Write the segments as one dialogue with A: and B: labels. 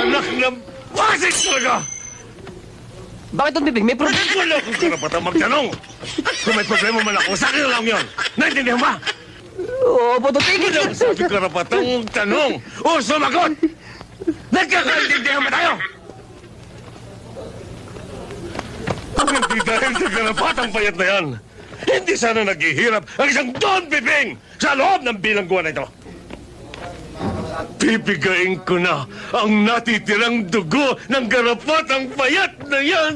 A: Anak ng basit talaga!
B: Bakit Don Piping? May problema.
A: Wala akong karapatang magtanong! Kung may problema man ako, sa akin na lang yun! Naintindihan ba?
B: Opo, Don Piping.
A: Wala akong sabi karapatang magtanong! O sumagot! Nagkakaintindihan ba tayo? Kung hindi dahil sa karapatang payat na yan, hindi sana naghihirap ang isang Don Piping sa loob ng bilangguan na ito. Pipigain ko na ang natitirang dugo ng garapatang payat na yan!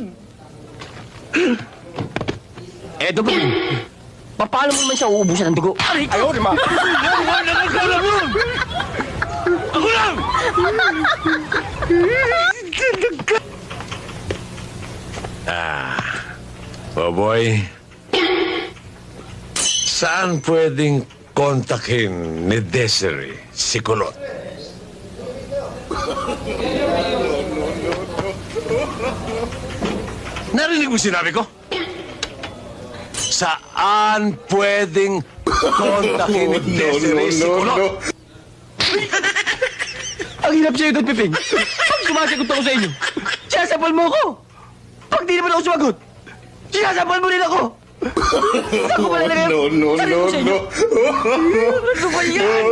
B: Don Piping. Paano mo naman siya uubusan ng dugo?
A: Ayaw, di ba? Ako lang yun! Ako lang! Boy, saan pwedeng kontakin ni Desiree si Kulot? Narinig mo sinabi ko? Saan pwedeng kontakin ni Desiree si Kulot?
B: Ang hirap sa'yo, Don Piping. Pag sumasagot ako sa inyo, sinasapal mo ako. Pag di naman ako sumagot, sinasapal mo rin ako. Saan ko pala nilagay? Sabi ko sa inyo. Ano ba yan?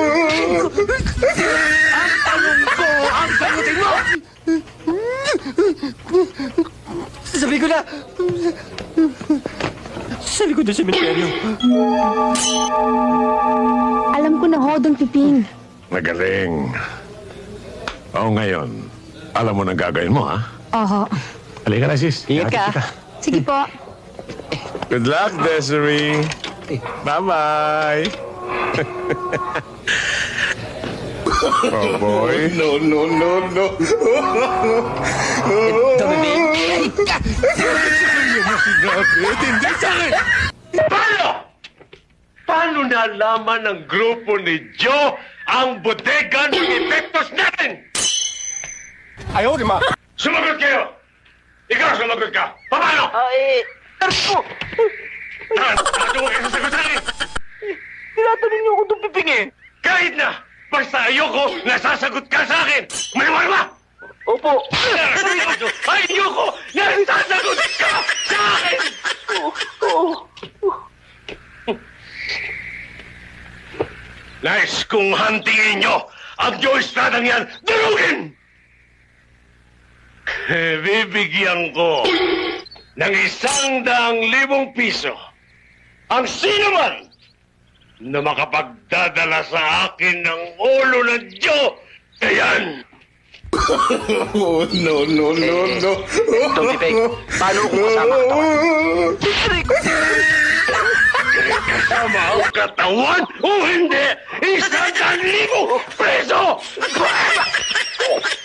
B: Ang tanong ko, ang sagutin mo! Sabi ko na. Sa likod ng sementeryo.
C: Alam ko na ho, Don Piping.
A: Magaling. O ngayon, alam mo na gagawin mo, ha?
C: Oho.
A: Halika na, sis.
B: Ingat ka.
C: Sige po.
A: Good luck, Desiree. Bye-bye. Oh, boy.
D: No.
B: Don Piping.
A: Hindi sa akin! Paano? Paano nalaman ng grupo ni Joe ang bodega ng epektos natin?
D: Ayaw, di ba?
A: Sumagot kayo! Ikaw sumagot ka! Paano?
B: Tarpo!
A: Ano mo kayo sasagot sa akin?
B: Tinatanong niyo ako, Don Piping eh.
A: Kahit na! Basta ayoko nasasagot ka sa akin! Maniwala ba?
B: Opo.
A: Ayoko nasasagot ka sa akin! Nais kong hantingin nyo ang Joe Estradang yan durugin! Bibigyan ko ng 100,000 piso ang sino man na makapagdadala sa akin ng ulo ng Joe. Ayan!
D: No.
B: Don Piping, paano kung kasama ka
A: Kasama ang katawan o hindi, 100,000 preso!